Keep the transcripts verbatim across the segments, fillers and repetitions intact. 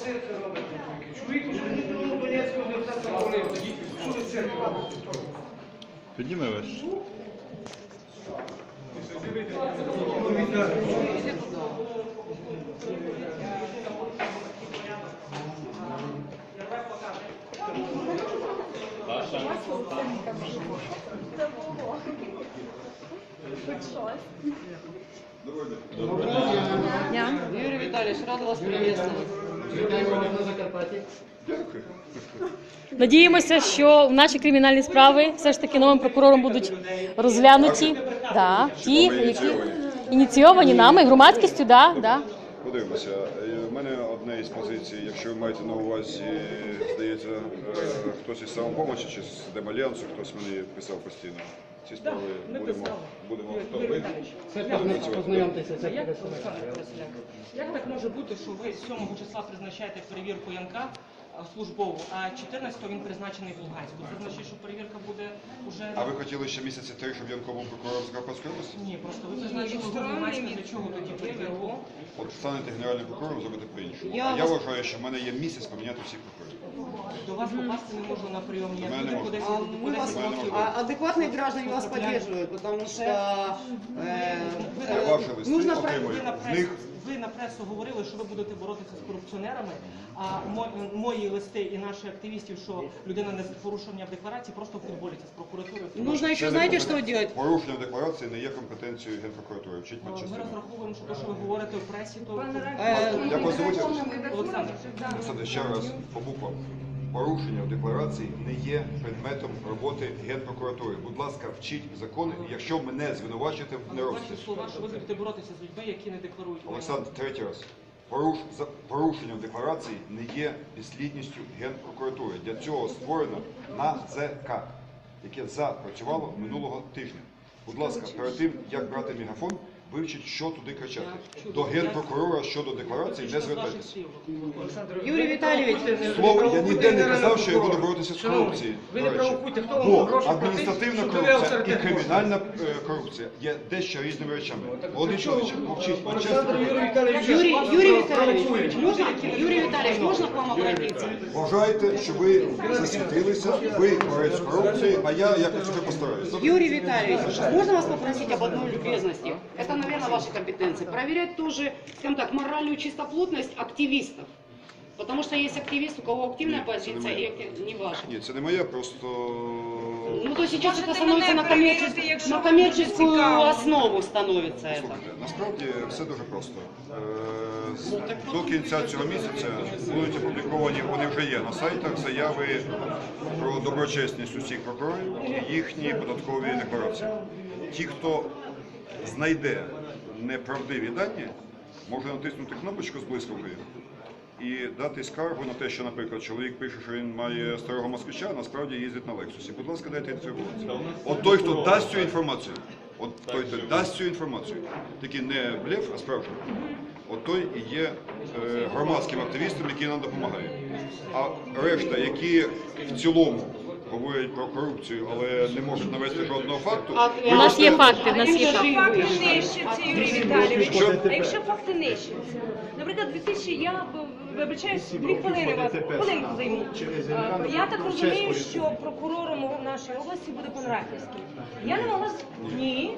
цирк робите? Чоловік, що не було Донецького депутата говорив, що ви цирк робите? Підніми весь. Дня. Юрий Витальевич, рада вас приветствовать. Надіємося, що наші кримінальні справи все ж таки новим прокурором будуть розглянуті. Да, ті, які ініційовані нами, громадськістю, да, да. Подивимося. У мене одна із позицій, якщо ви маєте на увазі, здається, хтось із самопомочі чи з Демальянсу, хтось мені писав постійно. Ці справи будемо, будемо, хто ви? Познайомтеся, це як, як так може бути, що ви сьомого числа призначаєте перевірку Янка службову, а чотирнадцятого він призначений в Луганську? Це значить, що перевірка буде вже... А ви хотіли ще місяці три, щоб Янко був прокурором Закарпатської області? Ні, просто ви призначили в Луганську, для чого тоді перевірку? От станете генеральним прокурором, зробите по-іншому. Я А я вас- вважаю, що в мене є місяць поміняти всіх прокурорів. До вас попасти не можу на прийом, я мене буду не по десять А по мы вас, десять років. а адекватные граждане вас поддерживают, потому что э, Я э, ваші листи нужно про- отримую. Ви на, З прес, них ви на пресу говорили, що ви будете боротися з корупціонерами, а мо- мої листи і наші активістів, що людина не з порушенням декларації, просто футболіться з прокуратурою. нужно еще, Це не знаете, компетен- что делать? Порушення декларації не є компетенцією Генпрокуратури. Вчить Ми медчастину. розраховуємо, що те, що ви говорите в пресі, то Э, Як вас звуть? Олександр. Олександр, ще раз по буквам. Порушення в декларації не є предметом роботи Генпрокуратури. Будь ласка, вчіть закони, якщо мене звинувачуєте в Ваші нерозумі. слова, що ви будете боротися з людьми, які не декларують. Олександр, третій раз. Поруш... за- Порушення в декларації не є підслідністю Генпрокуратури. Для цього створено НАЗК, яке запрацювало минулого тижня. Будь ласка, перед тим, як брати мегафон, вивчіть, що туди кричати. До Генпрокурора щодо декларації не звертайтеся. Юрий Витальевич, Слово, я ніде не казав, що я буду боротися з корупцією. Ви до не речі. провокуйте, хто вам Бо гроші адміністративна платить, що ви корупція і авторитет кримінальна е, корупція є дещо різними речами. Володимир Чоловічик, мовчіть, Олександр чесно. Юрій Віталійович, Юрий, вас Юрий провокують. Витальевич, можно, Юрий Витальевич, можно к вам обратиться? Вважайте, що ви засвітилися, ви борець з корупцією, а я якось себе постараюся. Юрий Витальевич, можно вас попросить об одной любезности? Это, наверное, ваши компетенции. Проверять тоже, скажем так, моральную чистоплотность активистов. Потому что есть активист, у кого активная Нет, это не позиция, и моя. актив- не ваша. Ні, це не моє, просто Ну, то сейчас Можете это становится мене на, перевірити, коммерческую, якщо на вам коммерческую дуже цікаво. основу становится это. слухайте, насправді все дуже просто. Е, з- До кінця цього місяця будуть опубліковані, вони вже є на сайтах, заяви про доброчесність усіх прокурорів і їхні податкові декларації. Ті, хто знайде неправдиві дані, може натиснути кнопочку з блискавкою і дати скаргу на те, що, наприклад, чоловік пише, що він має старого москвича, а насправді їздить на Лексусі. Будь ласка, дайте інформацію. От той, хто дасть цю інформацію, от той, хто дасть цю інформацію, такий не блеф, а справжній, от той і є е, громадським активістом, який нам допомагає. А решта, які в цілому говорять про корупцію, але не можуть навести жодного факту, А, ви у нас можете- є факти, у нас є Якщо факти. факти нищаться, Юрій Віталійович, Що? а якщо факти нищаться? Наприклад, дві тисячі, я б- вибачаюсь, дві хвилини вас, хвилинку займу. А, Я так розумію, що прокурором у нашій області буде пан Рахівський. Я не могла... з- Ні. Ні.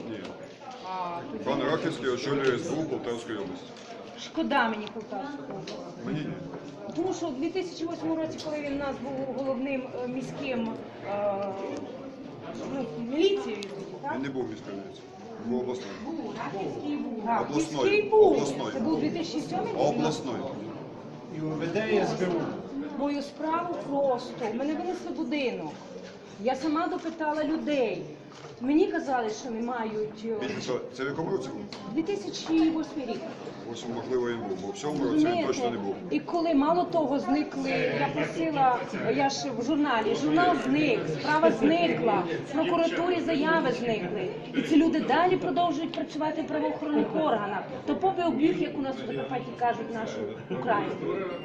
Пан Рахівський очолює ес бе у Полтавської області. Шкода мені Полтавського. Мені ні. Тому що у дві тисячі восьмому році, коли він у нас був головним е, міським е, ну, міліцією, так? Він не був міською міліцією, він був обласною. Рахівський був. Так, Обласною. міський був. Обласною. Це був дві тисячі сьомий рік? Обласною. І УВД, і ес бе у. Мою справу просто. Мене винесли в будинок. Я сама допитала людей. Мені казали, що не мають. е, Він що, це в якому році був? дві тисячі восьмий рік. Ось, можливо, він був, бо в цьому році він точно не був. І коли мало того зникли, я просила, я ж в журналі, журнал зник, справа зникла, в прокуратурі заяви зникли. І ці люди далі продовжують працювати в правоохоронних органах. То попи об'юх, як у нас у Закарпатті кажуть, нашу Україну.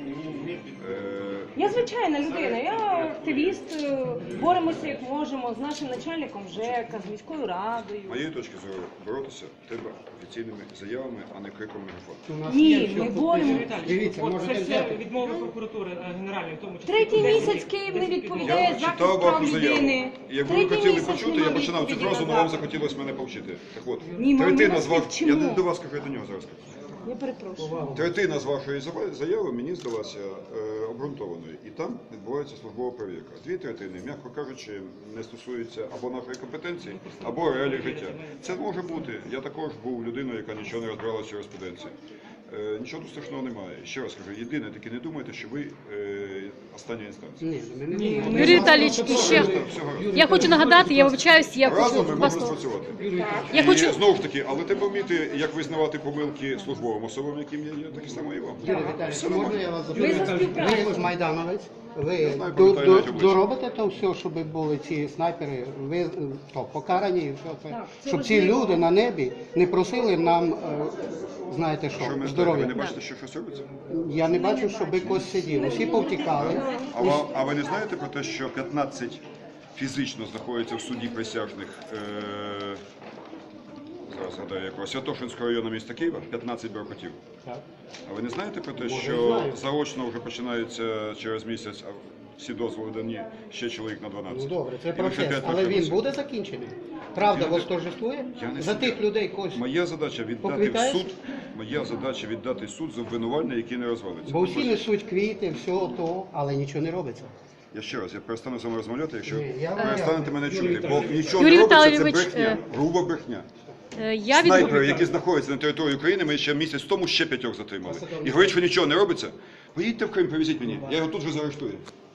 Е, Я звичайна людина, я активіст, е, боремося як можемо з нашим начальником ЖЕКу. ЧЕКа, з міською радою. З моєї точки зору, боротися треба офіційними заявами, а не криком мегафон. Ні, ми боремо. Юрій Віталійович, Дивіться, от можете це все взяти. відмови прокуратури е, генеральної, в тому числі. Третій десять місяць днів- Київ не десять відповідає днів. за Я читав прав вашу заяву. людини. Якби ви Третій хотіли місяць почути, нема я починав цю відповіді фразу, на але вам запит. захотілося мене повчити. Так от, Ні, ми третина вас з не вашої... вчимо. Я не до вас кажу, я до нього зараз кажу. Я перепрошую. Третина з вашої зава- заяви мені здалася е, обґрунтованою, і там відбувається службова перевірка. Дві третини, м'яко кажучи, не стосуються або нашої компетенції, або реалій життя. Це може бути. Я також був людиною, яка нічого не розбиралася в юриспруденції. Е, нічого тут страшного немає. Ще раз кажу, єдине, таки не думайте, що ви е, остання інстанція. Юрій Віталійович, і ще я хочу нагадати, я вибачаюсь, я хочу Разом ми вас можемо спрацювати. я І хочу знову ж таки, але треба вміти, як визнавати помилки службовим особам, яким я є, так і само і вам. Юрій Віталійович, можна я вас Ми за запитаю? співпрацю. Ви ж майдановець, ви Я знаю, до- пам'ятаю до- навіть обличчя. доробите то все, щоб були ці снайпери, ви е, то, покарані, і все це, Так, це щоб ці важливо. люди на небі не просили нам, е, знаєте Що ви що, не знаєте, ви здоров'я. не бачите, що щось робиться? Я не бачу, щоб когось сидів. Усі повтікали. А, ва- а ви не знаєте про те, що п'ятнадцять фізично знаходяться в суді присяжних е, зараз згадаю якого Святошинського району міста Києва, п'ятнадцять бюрократів. Так. А ви не знаєте про те, Може, що знаю. заочно вже починається через місяць, а всі дозволи дані ще чоловік на Ну дванадцять? добре, це І ви ще процес, п'ять але він років буде закінчений? Правда Я не- восторжествує? Я не За суддя. тих людей когось. Моя задача віддати в Поквітаєш? суд. Моя задача віддати в суд за обвинувальне, яке не розвалиться. Бо всі несуть квіти, все то, але нічого не робиться. Я ще раз, я перестану з вами розмовляти, якщо Ні, я- перестанете мене Юрій чути. Бо нічого Юрій не робиться, це Віталійович, брехня, е, груба брехня. е, я від Снайпери, які знаходяться на території України, ми ще місяць тому ще п'ятьох затримали. І говорить, що нічого не робиться. Поїдьте в Крим, привезіть мені, я його тут же заарештую.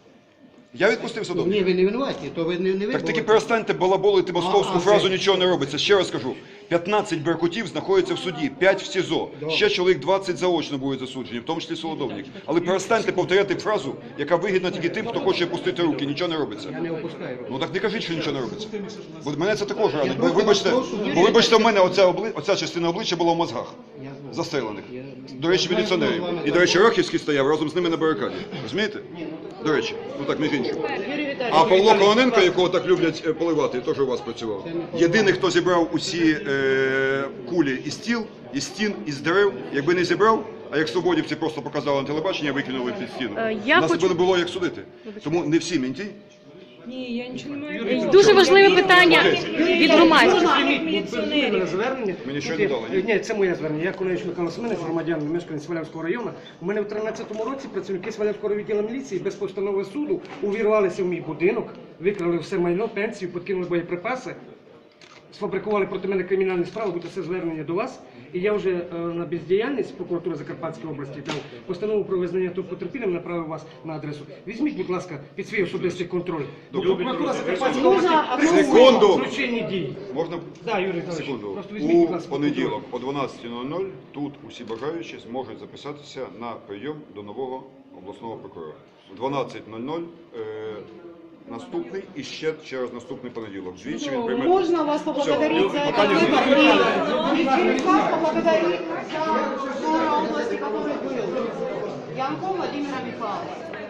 Я відпустив Ні, садовника. ви не винуваті, то ви не, не ви. Так таки були. перестаньте балаболити московську А, а, фразу це- «нічого не робиться». Ще раз кажу, п'ятнадцять беркутів знаходяться в суді, п'ять в СІЗО, ще чоловік двадцять заочно будуть засуджені, в тому числі Солодовник. Але перестаньте повторяти фразу, яка вигідна тільки тим, хто хоче опустити руки, нічого не робиться. Я не опускаю руки. Ну так не кажіть, що нічого не робиться. Бо мене це також Я ранить. Бо просто вибачте, вас прошу, бо вибачте, в мене оця, обли... оця частина обличчя була в мозгах. Я знаю. Застрелених. Я- До речі, Я міліціонерів. знаю, І, до речі, Рахівський стояв разом з ними на барикаді. Розумієте? До речі, ну так, між іншим. Юрий Витальевич. А Павло Кононенко, якого так люблять е, поливати, теж у вас працював. Єдиний, хто зібрав усі е, кулі із стіл, із стін, із дерев, якби не зібрав, а як свободівці просто показали на телебачення, викинули під стіну. Е, я Нас хочу- би не було як судити. Тому не всі менті. Ні, я нічого не маю. дуже важливе питання від громадськості. Мене звернення. Мені що Тут не є- дали, ні? Ні, це моє звернення. Я Коневич Михайло Семенович, громадянин, мешканець Свалявського району. У мене в тринадцятому році працівники Свалявського відділу міліції без постанови суду увірвалися в мій будинок, викрали все майно, пенсію, подкинули боєприпаси, сфабрикували проти мене кримінальні справи, буде це звернення до вас. І я вже е, на бездіяльність прокуратури Закарпатської області дав постанову про визнання тут потерпілим, направив вас на адресу. Візьміть, будь ласка, під свій особистий контроль. Бо прокуратура Закарпатської області Секунду! злочинні дії. Можна Да, Юрій Віталійович, секунду? просто візьміть, будь У ласка, понеділок о дванадцятій нуль нуль тут усі бажаючі зможуть записатися на прийом до нового обласного прокурора. В дванадцять нуль нуль е, наступний і ще через наступний понеділок. Двічі він прийме. Можно вас поблагодарить за этот Питання выбор немає. и вас поблагодарить за за области, который был. Янко Владимира Михайловича.